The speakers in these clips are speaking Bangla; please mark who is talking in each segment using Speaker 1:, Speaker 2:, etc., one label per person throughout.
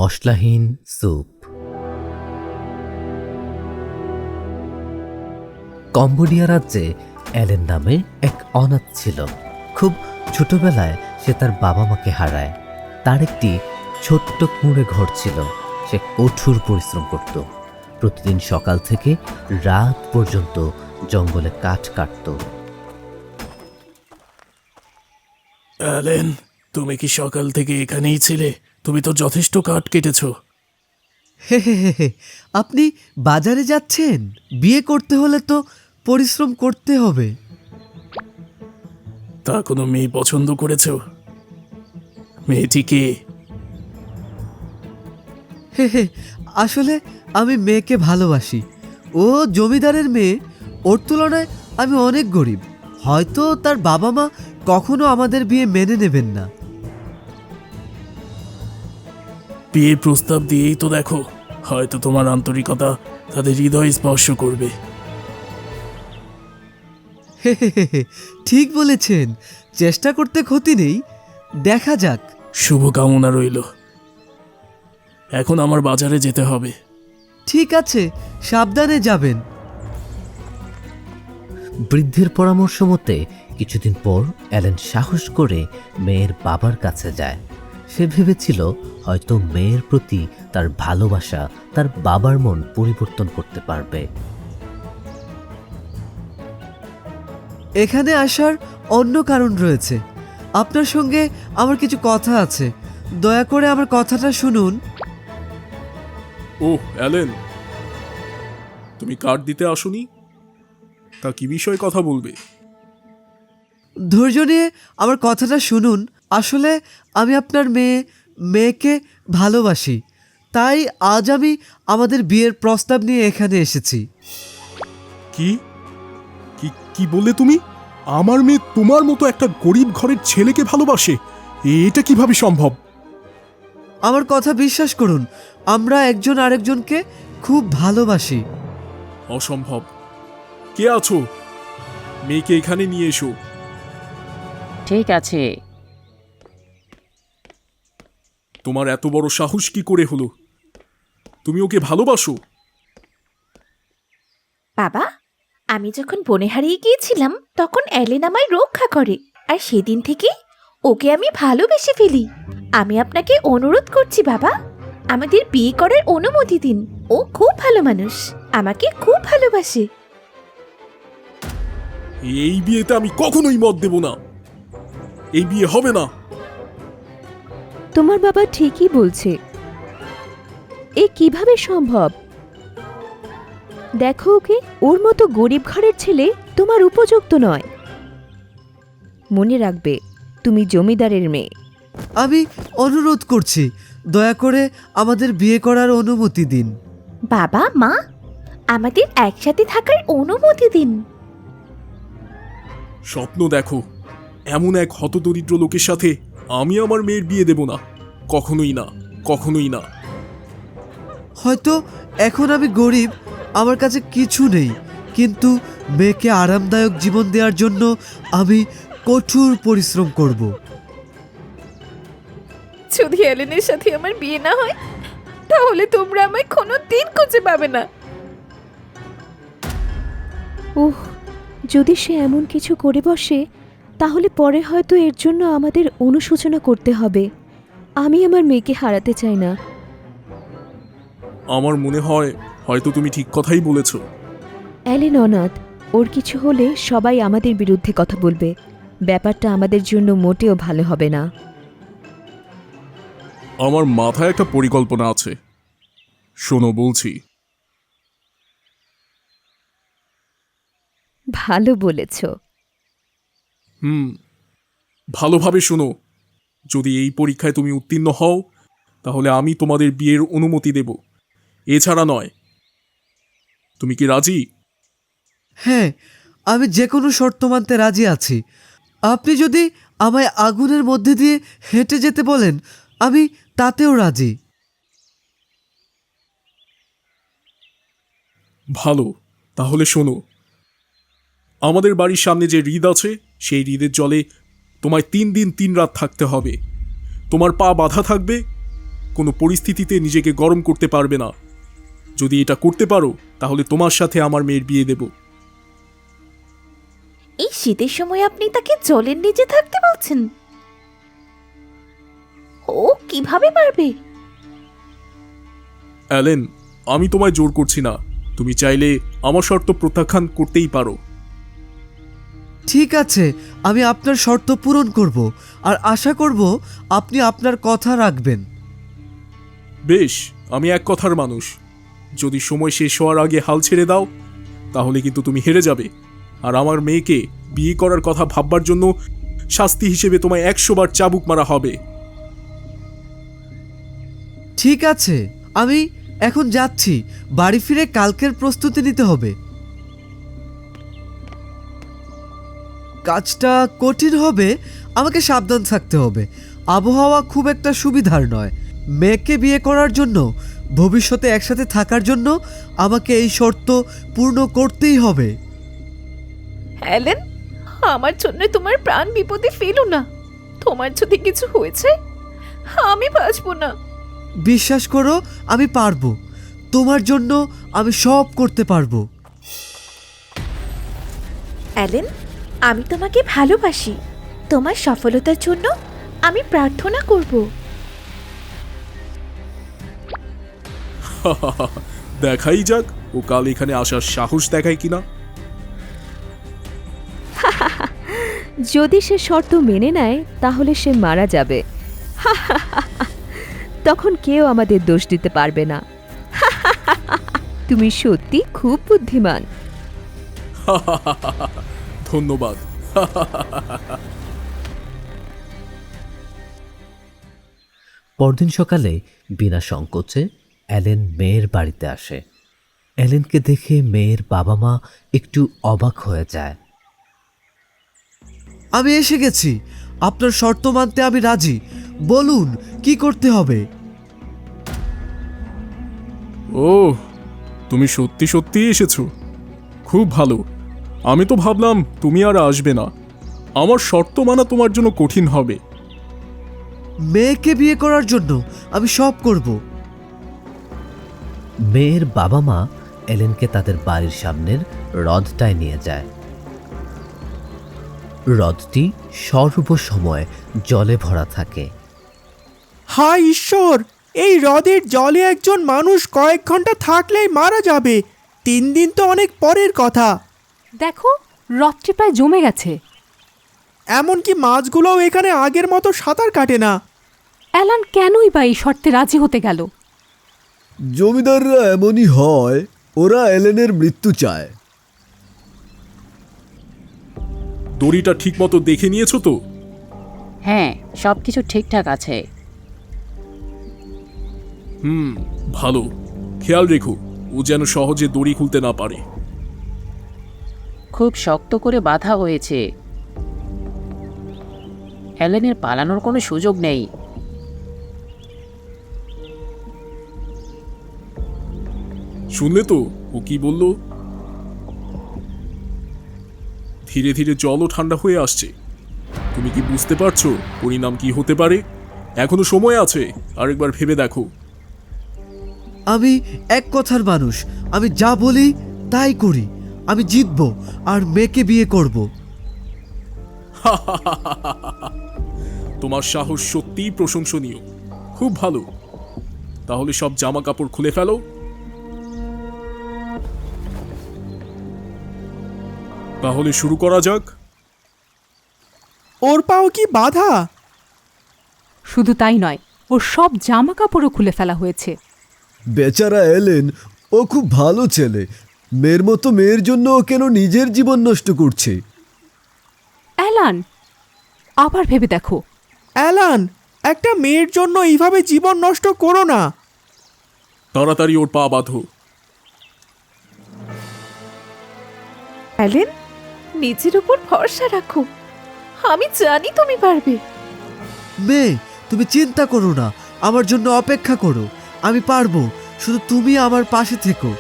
Speaker 1: মশলাহীন স্যুপ। কম্বোডিয়া রাজ্যে অ্যালেন নামে এক অনাথ ছিল। খুব ছোটবেলায় সে তার বাবা মাকে হারায়। তার একটি ছোট্ট কুঁড়ে ঘর ছিল। সে কঠোর পরিশ্রম করত। প্রতিদিন সকাল থেকে রাত পর্যন্ত জঙ্গলে কাঠ কাটত।
Speaker 2: অ্যালেন, তুমি কি সকাল থেকে এখানেই ছিলে? তুমি তো যথেষ্ট কাঠ কেটেছ।
Speaker 3: হে হে হে হে, আপনি বাজারে যাচ্ছেন? বিয়ে করতে হলে তো পরিশ্রম করতে হবে।
Speaker 2: তা কোনো মেয়ে পছন্দ করেছ? মেয়েটি কে?
Speaker 3: হে হে, আসলে আমি মেয়েকে ভালোবাসি। ও জমিদারের মেয়ে। ওর তুলনায় আমি অনেক গরিব। হয়তো তার বাবা মা কখনো আমাদের বিয়ে মেনে নেবেন না।
Speaker 2: বিয়ের প্রস্তাব দিয়েই তো দেখো, হয়তো তোমার আন্তরিকতা তাদের হৃদয় স্পর্শ করবে।
Speaker 3: হে হে হে হে, ঠিক বলেছেন। চেষ্টা করতে ক্ষতি নেই, দেখা যাক।
Speaker 2: শুভকামনা রইল। এখন আমার বাজারে যেতে হবে।
Speaker 3: ঠিক আছে, সাবধানে যাবেন।
Speaker 1: বৃদ্ধের পরামর্শ মতে কিছুদিন পর অ্যালেন সাহস করে মেয়ের বাবার কাছে যায়। সে ভেবেছিল হয়তো মেয়ের প্রতি তার ভালোবাসা তার বাবার মন পরিবর্তন করতে পারবে।
Speaker 3: এখানে আসার অন্য কারণ রয়েছে। আপনার সঙ্গে আমার কিছু কথা আছে। দয়া করে আমার কথাটা শুনুন।
Speaker 4: ওহ অ্যালেন, তুমি কার্ড দিতে আসোনি? তা কি বিষয়ে কথা বলবে?
Speaker 3: ধৈর্য নিয়ে আমার কথাটা শুনুন। আসলে আমি আপনার মেয়েকে ভালোবাসি। তাই আজ আমি আমাদের বিয়ের প্রস্তাব নিয়ে এখানে এসেছি।
Speaker 4: কি কি কি বললে তুমি? আমার মেয়ে তোমার মতো একটা গরিব ঘরের ছেলেকে ভালোবাসে? এটা কিভাবে সম্ভব?
Speaker 3: আমার কথা বিশ্বাস করুন, আমরা একজন আরেকজনকে খুব ভালোবাসি।
Speaker 4: অসম্ভব। কে আছো? মেয়েকে এখানে নিয়ে এসো।
Speaker 5: ঠিক আছে।
Speaker 4: তোমার এত বড় সাহস কি করে হলো? তুমি ওকে ভালোবাসো?
Speaker 6: বাবা, আমি যখন বনে হারিয়ে গিয়েছিলাম তখন অ্যালেন আমায় রক্ষা করে, আর সেদিন থেকে ওকে আমি ভালোবেসে ফেলি। আমি আপনাকে অনুরোধ করছি বাবা, আমাদের বিয়ে করার অনুমতি দিন। ও খুব ভালো মানুষ, আমাকে খুব ভালোবাসে।
Speaker 4: এই বিয়েতে আমি কখনোই মত দেব না। এই বিয়ে হবে না।
Speaker 7: তোমার বাবা ঠিকই বলছে। এ কিভাবে সম্ভব? দেখো ওকে, ওর মতো গরিব ঘরের ছেলে তোমার উপযুক্ত নয়। মনে রাখবে, তুমি জমিদারের মেয়ে।
Speaker 3: আমি অনুরোধ করছি, দয়া করে আমাদের বিয়ে করার অনুমতি দিন।
Speaker 6: বাবা মা, আমাদের একসাথে থাকার অনুমতি দিন।
Speaker 4: স্বপ্ন দেখো, এমন এক হতদরিদ্র লোকের সাথে আমি আমার মেয়ের বিয়ে দেব না। কখনোই না, কখনোই না।
Speaker 3: হয়তো এখন আমি গরিব, আমার কাছে কিছু নেই, কিন্তু মেয়েকে আরামদায়ক জীবন দেওয়ার জন্য আমি কঠোর পরিশ্রম করব।
Speaker 6: যদি অ্যালেনের সাথে আমার বিয়ে না হয়, তাহলে তোমরা আমায় কোনো দিন খুঁজে পাবে না।
Speaker 7: উহ, যদি সে এমন কিছু করে বসে, তাহলে পরে হয়তো এর জন্য আমাদের অনুশোচনা করতে হবে। আমি আমার মেয়েকে হারাতে চাই না।
Speaker 4: আমার মনে হয় হয়তো তুমি ঠিক কথাই বলেছ।
Speaker 7: অ্যালেন অনাথ, ওর কিছু হলে সবাই আমাদের বিরুদ্ধে কথা বলবে। ব্যাপারটা আমাদের জন্য মোটেও ভালো হবে না।
Speaker 4: আমার মাথায় একটা পরিকল্পনা আছে, শোনো বলছি।
Speaker 7: ভালো বলেছ।
Speaker 4: ভালোভাবে শোনো। যদি এই পরীক্ষায় তুমি উত্তীর্ণ হও, তাহলে আমি তোমাদের বিয়ের অনুমতি দেব, এছাড়া নয়। তুমি কি রাজি?
Speaker 3: হ্যাঁ, আমি যে কোনো শর্ত মানতে রাজি আছি। আপনি যদি আমায় আগুনের মধ্যে দিয়ে হেঁটে যেতে বলেন, আমি তাতেও রাজি।
Speaker 4: ভালো, তাহলে শোনো। আমাদের বাড়ির সামনে যে হ্রদ আছে, সেই হ্রদের জলে তোমায় 3 দিন 3 রাত থাকতে হবে। তোমার পা বাঁধা থাকবে, কোনো পরিস্থিতিতে নিজেকে গরম করতে পারবে না। যদি এটা করতে পারো তাহলে তোমার সাথে আমার মেয়ের বিয়ে দেব।
Speaker 6: এই শীতের সময় আপনি তাকে জলের নিচে থাকতে বলছেন? ও কিভাবে পারবে?
Speaker 4: অ্যালেন, আমি তোমায় জোর করছি না। তুমি চাইলে আমার শর্ত প্রত্যাখ্যান করতেই পারো।
Speaker 3: ঠিক আছে, আমি আপনার শর্ত পূরণ করব আর আশা করব আপনি আপনার কথা রাখবেন।
Speaker 4: বেশ, আমি এক কথার মানুষ। যদি সময় শেষ হওয়ার আগে হাল ছেড়ে দাও তাহলে কিন্তু তুমি হেরে যাবে, আর আমার মেয়েকে বিয়ে করার কথা ভাববার জন্য শাস্তি হিসেবে তোমায় 100 বার চাবুক মারা হবে।
Speaker 3: ঠিক আছে, আমি এখন যাচ্ছি। বাড়ি ফিরে কালকের প্রস্তুতি নিতে হবে। কাজটা কঠিন হবে, আমাকে সাবধান থাকতে হবে। আবহাওয়া খুব একটা সুবিধার নয়। মেয়েকে বিয়ে করার জন্য, ভবিষ্যতে একসাথে থাকার জন্য আমাকে এই শর্ত পূর্ণ করতেই হবে।
Speaker 6: অ্যালেন, আমার জন্য তোমার প্রাণ বিপদে ফেলো না। তোমার যদি কিছু হয়েছে আমি বাঁচবো না।
Speaker 3: বিশ্বাস করো, আমি পারবো। তোমার জন্য আমি সব করতে পারবো।
Speaker 6: অ্যালেন, আমি তোমাকে ভালোবাসি। তোমার সফলতার জন্য আমি প্রার্থনা করব।
Speaker 4: দেখাই যাক ও কাল এখানে আসার সাহস দেখায় কিনা।
Speaker 7: যদি সে শর্ত মেনে নেয় তাহলে সে মারা যাবে। তখন কেউ আমাদের দোষ দিতে পারবে না। তুমি সত্যি খুব বুদ্ধিমান।
Speaker 4: ধন্যবাদ।
Speaker 1: পরদিন সকালে বিনা সংকোচে অ্যালেন মেয়ের বাড়িতে আসে। অ্যালেনকে দেখে মেয়ের বাবা মা একটু অবাক হয়ে যায়।
Speaker 3: আমি এসে গেছি। আপনার শর্ত মানতে আমি রাজি। বলুন কি করতে হবে।
Speaker 4: ও, তুমি সত্যি সত্যি এসেছো? খুব ভালো। আমি তো ভাবলাম তুমি আর আসবে না। আমার শর্ত মানা তোমার জন্য কঠিন হবে।
Speaker 3: মেয়েকে বিয়ে করার জন্য আমি সব করব।
Speaker 1: মেয়ের বাবা মা এলেনকে তাদের বাড়ির সামনের হ্রদটায় নিয়ে যায়। হ্রদটি সর্বসময় জলে ভরা থাকে।
Speaker 8: হায় ঈশ্বর, এই হ্রদের জলে একজন মানুষ কয়েক ঘন্টা থাকলেই মারা যাবে। 3 দিন তো অনেক পরের কথা।
Speaker 9: দেখো, হ্রদটি প্রায় জমে গেছে।
Speaker 8: এমনকি মাছগুলোও এখানে আগের মতো সাঁতার কাটে না।
Speaker 9: অ্যালান কেনই বা এই শর্তে রাজি হতে গেল?
Speaker 10: জমিদাররা এমনই হয়, ওরা এলেনের মৃত্যু চায়।
Speaker 4: দড়িটা ঠিকমতো দেখে নিয়েছো তো?
Speaker 5: হ্যাঁ, সব কিছু ঠিকঠাক আছে।
Speaker 4: ভালো। খেয়াল রেখো ও যেন সহজে দড়ি খুলতে না পারে।
Speaker 5: খুব শক্ত করে বাঁধা হয়েছে। অ্যালেনের পালানোর কোনো সুযোগ নেই।
Speaker 4: শুনলে তো ও কি বলল? ধীরে ধীরে জলও ঠান্ডা হয়ে আসছে। তুমি কি বুঝতে পারছো পরিণাম কি হতে পারে? এখনো সময় আছে, আরেকবার ভেবে দেখো।
Speaker 3: আমি এক কথার মানুষ। আমি যা বলি তাই করি। আমি জিতবো আর মেয়েকে বিয়ে করব।
Speaker 4: তোমার সাহস সত্যিই প্রশংসনীয়। খুব ভালো। তাহলে সব জামা কাপড় খুলে ফেলো। তাহলে শুরু করা যাক।
Speaker 8: ওর পাও কি বাধা?
Speaker 9: শুধু তাই নয়, ওর সব জামা কাপড়ও খুলে ফেলা হয়েছে।
Speaker 10: বেচারা এলেন, ও খুব ভালো ছেলে। মেয়ের মতো মেয়ের জন্য ও কেন নিজের জীবন নষ্ট করছে?
Speaker 9: অ্যালান, আবার ভেবে দেখো।
Speaker 8: অ্যালান, একটা মেয়ের জন্য এইভাবে জীবন নষ্ট করো না।
Speaker 4: তাড়াতাড়ি ওর পা বাঁধো।
Speaker 6: অ্যালেন, নিজের উপর ভরসা রাখো। আমি জানি তুমি পারবে।
Speaker 3: মেয়ে, তুমি চিন্তা করো না। আমার জন্য অপেক্ষা করো। আমি পারবো। শুধু তুমি আমার পাশে থেকো।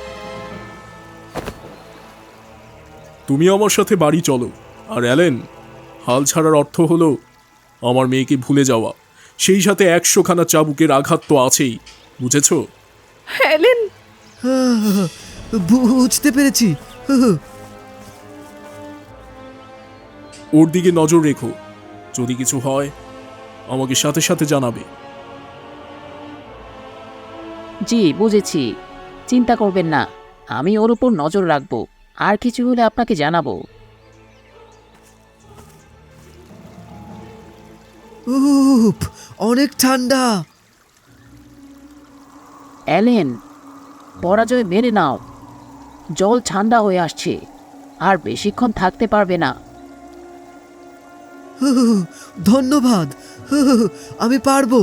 Speaker 4: তুমি আমার সাথে বাড়ি চলো। আর অ্যালেন, হাল ছাড়ার অর্থ হলো আমার মেয়েকে ভুলে যাওয়া। সেই সাথে 100খানা চাবুকের আঘাত তো আছেই, বুঝেছ?
Speaker 6: অ্যালেন,
Speaker 3: বুঝতে পেরেছি।
Speaker 4: ওর দিকে নজর রেখো, যদি কিছু হয় আমাকে সাথে সাথে জানাবে।
Speaker 5: জি বুঝেছি, চিন্তা করবেন না, আমি ওর উপর নজর রাখবো, আর কিছু হলে আপনাকে জানাবো।
Speaker 3: উফ, অনেক ঠান্ডা।
Speaker 5: অ্যালেন, পরাজয় মেনে নাও, জল ঠান্ডা হয়ে আসছে, আর বেশিক্ষণ থাকতে পারবে না।
Speaker 3: ধন্যবাদ, আমি পারবো।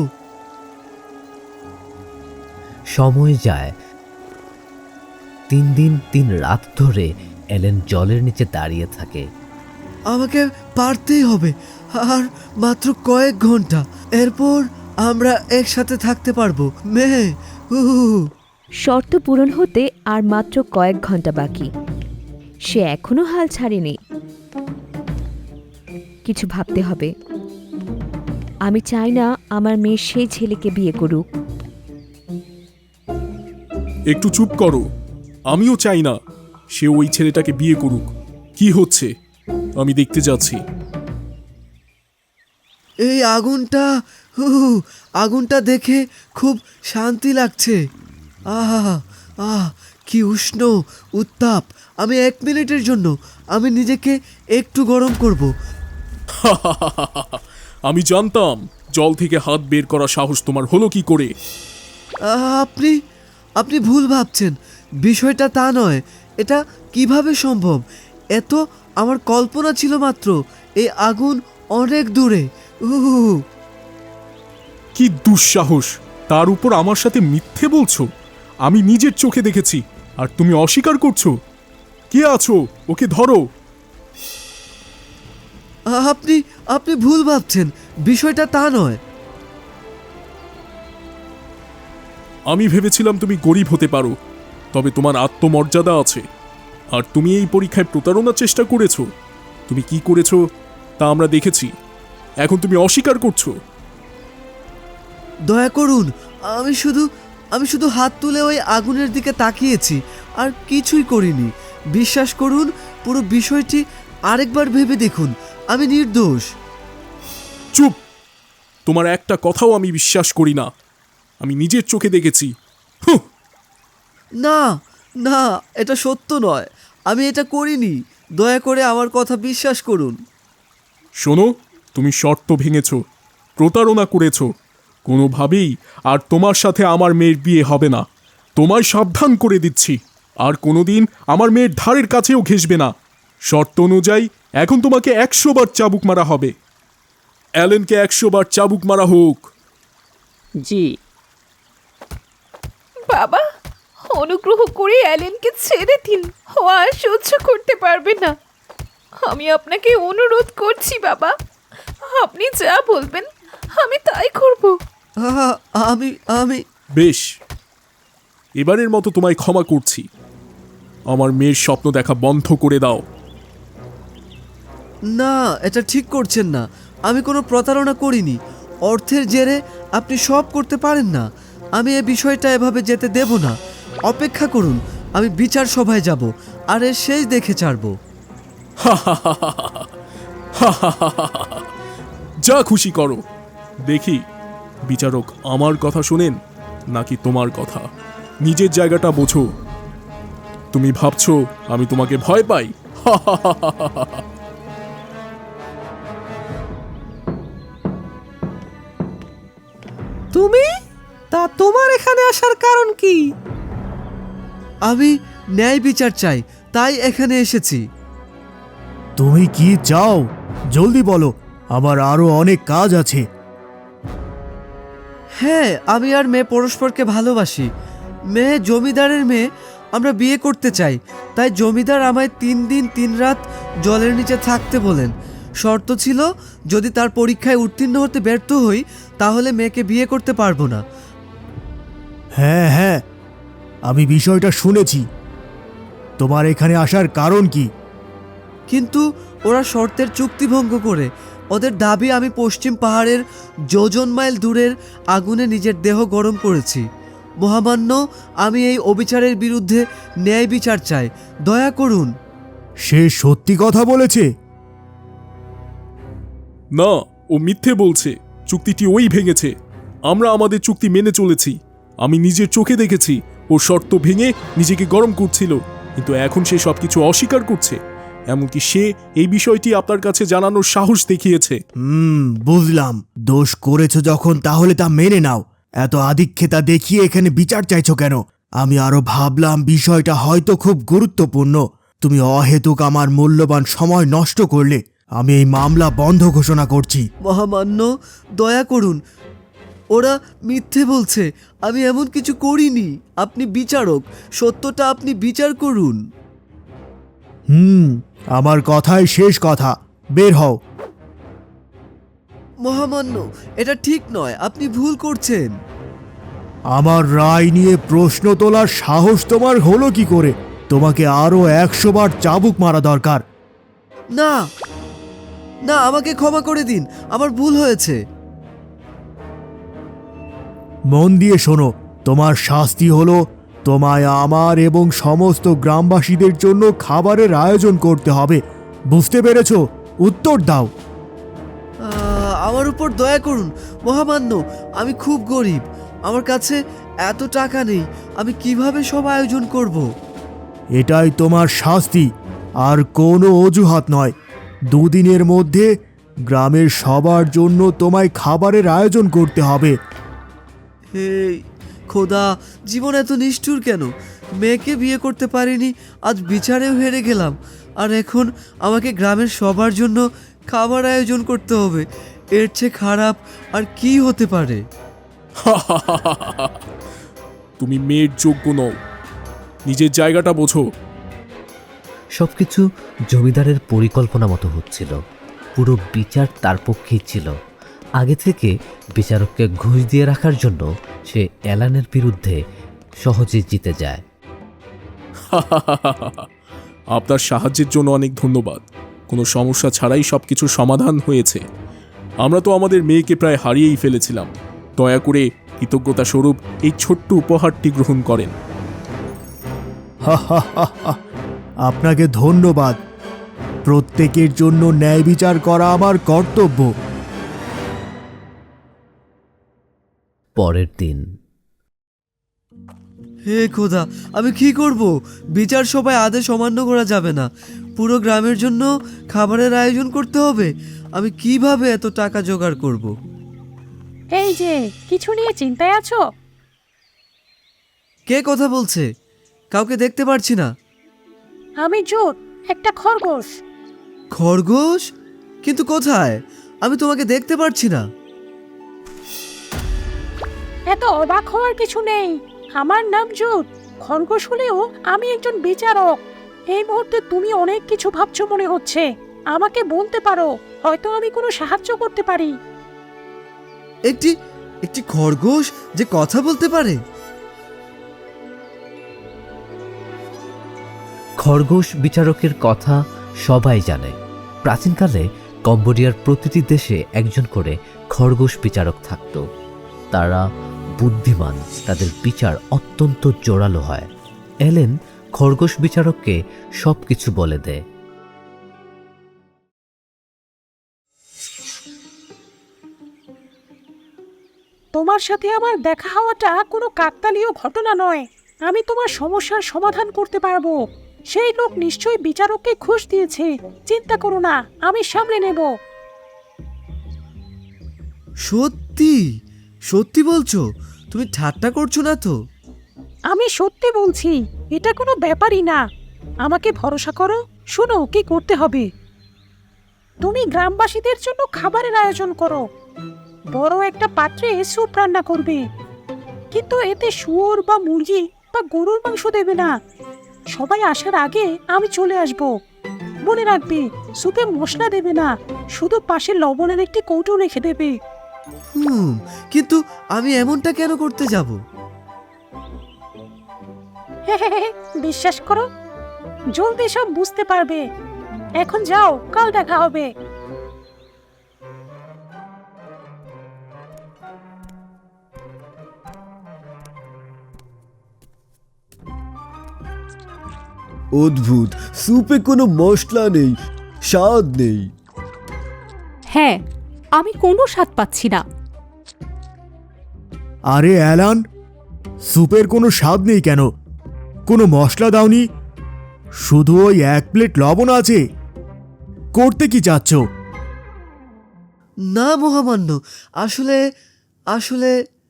Speaker 1: সময় যায়। 3 দিন 3 রাত ধরে এলেন জলের নিচে দাঁড়িয়ে থাকে।
Speaker 3: আমাকে পারতেই হবে, আর মাত্র কয়েক ঘন্টা, এরপর আমরা একসাথে থাকতে পারবো। মেয়ে,
Speaker 7: শর্ত পূরণ হতে আর মাত্র কয়েক ঘন্টা বাকি। সে এখনো হাল ছাড়েনি। কিছু ভাবতে হবে। আমি চাই না আমার মেয়ে সেই ছেলেকে বিয়ে করুক।
Speaker 4: একটু চুপ করো, আমিও চাই না সে ওই ছেলেটাকে বিয়ে করুক। কি হচ্ছে আমি দেখতে যাচ্ছি।
Speaker 3: এই আগুনটা দেখে খুব শান্তি লাগছে। আহা আহ কি উষ্ণ উত্তাপ। আমি 1 মিনিটের জন্য আমি নিজেকে একটু গরম করব।
Speaker 4: আমি জানতাম জল থেকে হাত বের করা সাহস তোমার হলো কি করে।
Speaker 3: আপনি ভুল ভাবছেন, বিষয়টা তা নয়। এটা কিভাবে সম্ভব? এত আমার কল্পনা ছিল মাত্র। এই আগুন অনেক দূরে।
Speaker 4: কি দুঃসাহস, তার উপর আমার সাথে মিথ্যে বলছো। আমি নিজের চোখে দেখেছি আর তুমি অস্বীকার করছো। কে আছো, ওকে ধরো।
Speaker 3: আপনি ভুল ভাবছেন, বিষয়টা তা নয়।
Speaker 4: আমি ভেবেছিলাম তুমি গরিব হতে পারো, তবে তোমার আত্মমর্যাদা আছে। আর তুমি এই পরীক্ষায় প্রতারণার চেষ্টা করেছো। তুমি কি করেছো তা আমরা দেখেছি, এখন তুমি অস্বীকার করছো।
Speaker 3: দয়া করুন, আমি শুধু হাত তুলে ওই আগুনের দিকে তাকিয়েছি, আর কিছুই করিনি। বিশ্বাস করুন, পুরো বিষয়টি আরেকবার ভেবে দেখুন, আমি নির্দোষ।
Speaker 4: চুপ, তোমার একটা কথাও আমি বিশ্বাস করি না। আমি নিজের চোখে দেখেছি। হুঁ।
Speaker 3: না না, এটা সত্য নয়, আমি এটা করিনি। দয়া করে আমার কথা বিশ্বাস করুন।
Speaker 4: শোনো, তুমি শর্ত ভেঙেছো, প্রতারণা করেছো। কোনোভাবেই আর তোমার সাথে আমার মেয়ের বিয়ে হবে না। তোমায় সাবধান করে দিচ্ছি, আর কোনোদিন আমার মেয়ের ধারের কাছেও ঘেঁষবে না। শর্ত অনুযায়ী এখন তোমাকে 100 বার চাবুক মারা হবে। অ্যালেনকে 100 বার চাবুক মারা হোক।
Speaker 5: জি।
Speaker 6: বাবা, অনুগ্রহ করে অ্যালেনকে ছেড়ে দিন, ও আর সহ্য করতে পারবে না। আমি আপনাকে অনুরোধ করছি বাবা, আপনি যা বলবেন আমি তাই করব।
Speaker 3: আমি
Speaker 4: বেশ, এবারের মতো তোমায় ক্ষমা করছি। আমার মেয়ের স্বপ্ন দেখা বন্ধ করে দাও।
Speaker 3: না, এটা ঠিক করছেন না। আমি কোনো প্রতারণা করিনি। অর্থের জেরে আপনি সব করতে পারেন না। আমি এই বিষয়টা এভাবে যেতে দেব না। অপেক্ষা করুন, আমি বিচার সভায় যাব, আর এর শেষ দেখে ছাড়ব।
Speaker 4: যা খুশি করো, দেখি বিচারক আমার কথা শোনেন নাকি তোমার কথা। নিজের জায়গাটা বোঝো। তুমি ভাবছো আমি তোমাকে ভয় পাই?
Speaker 8: তুমি তোমার এখানে আসার কারণ কি?
Speaker 3: আমি ন্যায় বিচার চাই, তাই এখানে এসেছি।
Speaker 11: তুমি কি চাও জলদি বলো, আমার আরো অনেক কাজ আছে।
Speaker 3: হ্যাঁ, আমি আর মেয়ে পরস্পরকে ভালোবাসি। মেয়ে জমিদারের মেয়ে, আমরা বিয়ে করতে চাই। তাই জমিদার আমায় 3 দিন 3 রাত জলের নিচে থাকতে বলেন। শর্ত ছিল, যদি তার পরীক্ষায় উত্তীর্ণ হতে ব্যর্থ হই তাহলে মেয়েকে বিয়ে করতে পারবো না।
Speaker 11: হ্যাঁ হ্যাঁ, আমি বিষয়টা শুনেছি। তোমার এখানে আসার কারণ কি?
Speaker 3: কিন্তু ওরা শর্তের চুক্তি ভঙ্গ করে ওদের দাবি আমি পশ্চিম পাহাড়ের যোজন মাইল দূরের আগুনে নিজের দেহ গরম করেছি। মহামান্য, আমি এই অবিচারের বিরুদ্ধে ন্যায় বিচার চাই, দয়া করুন।
Speaker 11: সে সত্যি কথা বলেছে?
Speaker 4: না, ও মিথ্যে বলছে। চুক্তিটি ওই ভেঙেছে। আমরা আমাদের চুক্তি মেনে চলেছি। আমি নিজের চোখে দেখেছি ও শর্ত ভেঙে নিজেকে গরম করছিল, কিন্তু এখন সে সবকিছু অস্বীকার করছে। এমনকি সে এই বিষয়টি আপনার কাছে জানানোর সাহস দেখিয়েছে।
Speaker 11: বুঝলাম। দোষ করেছো যখন, তাহলে তা মেনে নাও। এত আধিক্যতা দেখিয়ে এখানে বিচার চাইছো কেন? আমি আরো ভাবলাম বিষয়টা হয়তো খুব গুরুত্বপূর্ণ। তুমি অহেতুক আমার মূল্যবান সময় নষ্ট করলে। আমি এই মামলা বন্ধ ঘোষণা করছি।
Speaker 3: মহামান্য, দয়া করুন, ওরা মিথ্যে বলছে, আমি এমন কিছু করিনি। আপনি বিচারক, সত্যটা আপনি বিচার করুন।
Speaker 11: আমার কথাই শেষ কথা। বের হও।
Speaker 3: মহামান্য, এটা ঠিক নয়, আপনি ভুল করছেন।
Speaker 11: আমার রায় নিয়ে প্রশ্ন তোলার সাহস তোমার হলো কি করে? তোমাকে আরো 100 বার চাবুক মারা দরকার।
Speaker 3: না না, আমাকে ক্ষমা করে দিন, আমার ভুল হয়েছে।
Speaker 11: মন দিয়ে শোনো, তোমার শাস্তি হলো তোমায় আমার এবং সমস্ত গ্রামবাসীদের জন্য খাবারের আয়োজন করতে হবে। বুঝতে পেরেছো? উত্তর দাও।
Speaker 3: আমার উপর দয়া করুন মহামান্য, আমি খুব গরিব, আমার কাছে এত টাকা নেই, আমি কিভাবে সব আয়োজন করব?
Speaker 11: এটাই তোমার শাস্তি, আর কোনো অজুহাত নয়। 2 দিনের মধ্যে গ্রামের সবার জন্য তোমায় খাবারের আয়োজন করতে হবে।
Speaker 3: হে খোদা, জীবন এত নিষ্ঠুর কেন? মেয়েকে বিয়ে করতে পারিনি, আজ বিচারেও হেরে গেলাম, আর এখন আমাকে গ্রামের সবার জন্য খাবার আয়োজন করতে হবে। এর চেয়ে খারাপ আর কি হতে পারে?
Speaker 4: তুমি মেয়ের যোগ্য নও, নিজের জায়গাটা বোঝো।
Speaker 1: সবকিছু জমিদারের পরিকল্পনা মতো হচ্ছিল। পুরো বিচার তার পক্ষেই ছিল। আগে থেকে বিচারককে ঘুষ দিয়ে রাখার জন্য সে অ্যালানের বিরুদ্ধে সহজে জিতে যায়।
Speaker 4: আপনার সাহায্যের জন্য অনেক ধন্যবাদ। কোনো সমস্যা ছাড়াই সবকিছু সমাধান হয়েছে। আমরা তো আমাদের মেয়েকে প্রায় হারিয়েই ফেলেছিলাম। দয়া করে কৃতজ্ঞতা স্বরূপ এই ছোট্ট উপহারটি গ্রহণ করেন।
Speaker 11: আপনাকে ধন্যবাদ। প্রত্যেকের জন্য ন্যায় বিচার করা আমার কর্তব্য।
Speaker 1: পরের দিন।
Speaker 3: হে খোদা, আমি কি করব? বিচার সভায় আদেশ অমান্য করা যাবে না। পুরো গ্রামের জন্য খাবারের আয়োজন করতে হবে। আমি কিভাবে এত টাকা জোগাড় করব?
Speaker 9: এই যে, কিছু নিয়ে চিন্তায় আছো?
Speaker 3: কে কথা বলছে? কাউকে দেখতে পারছি না।
Speaker 9: আমি জোট, একটা খরগোশ।
Speaker 3: খরগোশ? কিন্তু কোথায়? আমি তোমাকে দেখতে পারছি না।
Speaker 9: এত অবাক হওয়ার কিছু নেই। আমার নাম জুট। খরগোশ হলেও আমি একজন বিচারক। এই মুহূর্তে তুমি অনেক কিছু ভাবছো মনে হচ্ছে। আমাকে বলতে পারো, হয়তো আমি কোনো সাহায্য করতে পারি।
Speaker 3: একটি খরগোশ যে কথা বলতে পারে?
Speaker 1: খরগোশ বিচারকের কথা সবাই জানে। প্রাচীনকালে কম্বোডিয়ার প্রতিটি দেশে একজন করে খরগোশ বিচারক থাকত। তারা বুদ্ধিমান, তাদের বিচার অত্যন্ত জোরালো হয়। এলেন খরগোশ বিচারককে সব কিছু বলে দেয়।
Speaker 9: তোমার সাথে আমার দেখা হওয়াটা কোনো কাকতালীয় ঘটনা নয়। আমি তোমার সমস্যার সমাধান করতে পারবো। সেই লোক নিশ্চয়ই বিচারককে ঘুষ দিয়েছে। চিন্তা করো না, আমি সামলে নেব।
Speaker 3: সত্যি সত্যি বলছো? তুমি ঠাট্টা করছো না তো?
Speaker 9: আমি সত্যি বলছি, এটা কোনো ব্যাপারই না। আমাকে ভরসা করো। শোনো কি করতে হবে। তুমি গ্রামবাসীদের জন্য খাবারের আয়োজন করো। বড় একটা পাত্রে স্যুপ রান্না করবে, কিন্তু এতে শুয়োর বা মুরগি বা গরুর মাংস দেবে না। সবাই আসার আগে আমি চলে আসব। মনে রাখবে, স্যুপে মশলা দেবে না, শুধু পাশে লবণের একটি কৌটো রেখে দেবে।
Speaker 3: কিন্তু আমি এমনটা কেন করতে যাব?
Speaker 9: বিশ্বাস করো, জলদি সব বুঝতে পারবে। এখন যাও, কাল দেখা হবে।
Speaker 10: অদ্ভুত, স্যুপে কোনো মশলা নেই, স্বাদ নেই।
Speaker 12: হ্যাঁ, আমি কোনো স্বাদ পাচ্ছি না।
Speaker 11: আরে অ্যালান, স্যুপের কোনো স্বাদ নেই কেন? কোনো মশলা দাওনি? শুধু ওই 1 প্লেট লবণ আছে। করতে কি চাচ্ছ?
Speaker 3: না মহামান্য, আসলে আসলে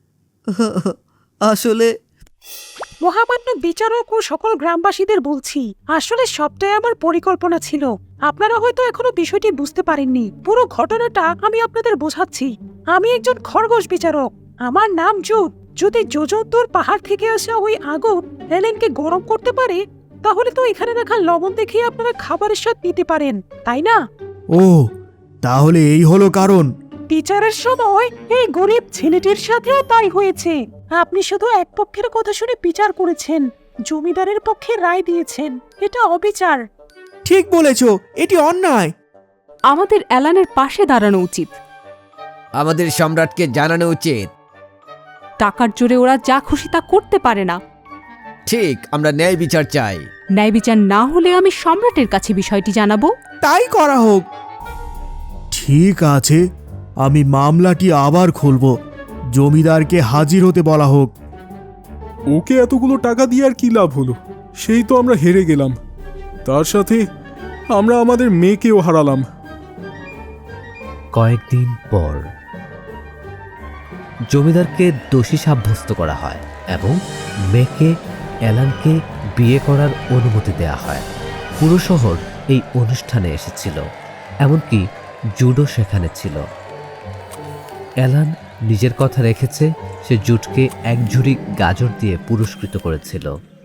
Speaker 3: আসলে
Speaker 9: মহামান্য বিচারক ও সকল গ্রামবাসীদের বলছি, আসলে সবটাই আমার পরিকল্পনা ছিল। আপনারা হয়তো এখনো বিষয়টি বুঝতে পারেননি। পুরো ঘটনাটা আমি আপনাদের বোঝাচ্ছি। আমি একজন খরগোশ বিচারক। আমার নাম জুড। যদি যোজন্তর পাহাড় থেকে আসা ওই আগুন এলেনকে গরম করতে পারে, তাহলে তো এখানে রাখা লবণ দেখে আপনারা খাবারের স্বাদ নিতে পারেন, তাই না?
Speaker 11: ও, তাহলে এই হলো কারণ।
Speaker 9: বিচারের সময় এই গরিব ছেলেটির সাথেও তাই হয়েছে। আপনি শুধু এক পক্ষের কথা শুনে বিচার করেছেন, জমিদারের পক্ষে রায় দিয়েছেন। এটা অবিচার।
Speaker 8: ঠিক বলেছ, এটি অন্যায়।
Speaker 12: আমাদের অ্যালানের পাশে দাঁড়ানো উচিত।
Speaker 13: আমাদের সম্রাটকে জানানো উচিত।
Speaker 12: টাকার জোরে ওরা যা খুশি তা করতে পারে না।
Speaker 13: ঠিক, আমরা ন্যায় বিচার চাই।
Speaker 12: ন্যায় বিচার না হলে আমি সম্রাটের কাছে বিষয়টি জানাবো।
Speaker 8: তাই করা হোক।
Speaker 11: ঠিক আছে, আমি মামলাটি আবার খুলব। জমিদারকে হাজির হতে বলা হোক।
Speaker 4: ওকে এতগুলো টাকা দিয়ে আর কি লাভ হলো? সেই তো আমরা হেরে গেলাম, তার সাথে আমরা আমাদের মেয়েকেও হারালাম।
Speaker 1: কয়েকদিন পর জমিদারকে দোষী সাব্যস্ত করা হয় এবং মেয়েকে অ্যালানকে বিয়ে করার অনুমতি দেয়া হয়। পুরো শহর এই অনুষ্ঠানে এসেছিল, এমনকি জুডও সেখানে ছিল। অ্যালান নিজের কথা রেখেছে, সে জুডকে 1 ঝুড়ি গাজর দিয়ে পুরস্কৃত করেছিল।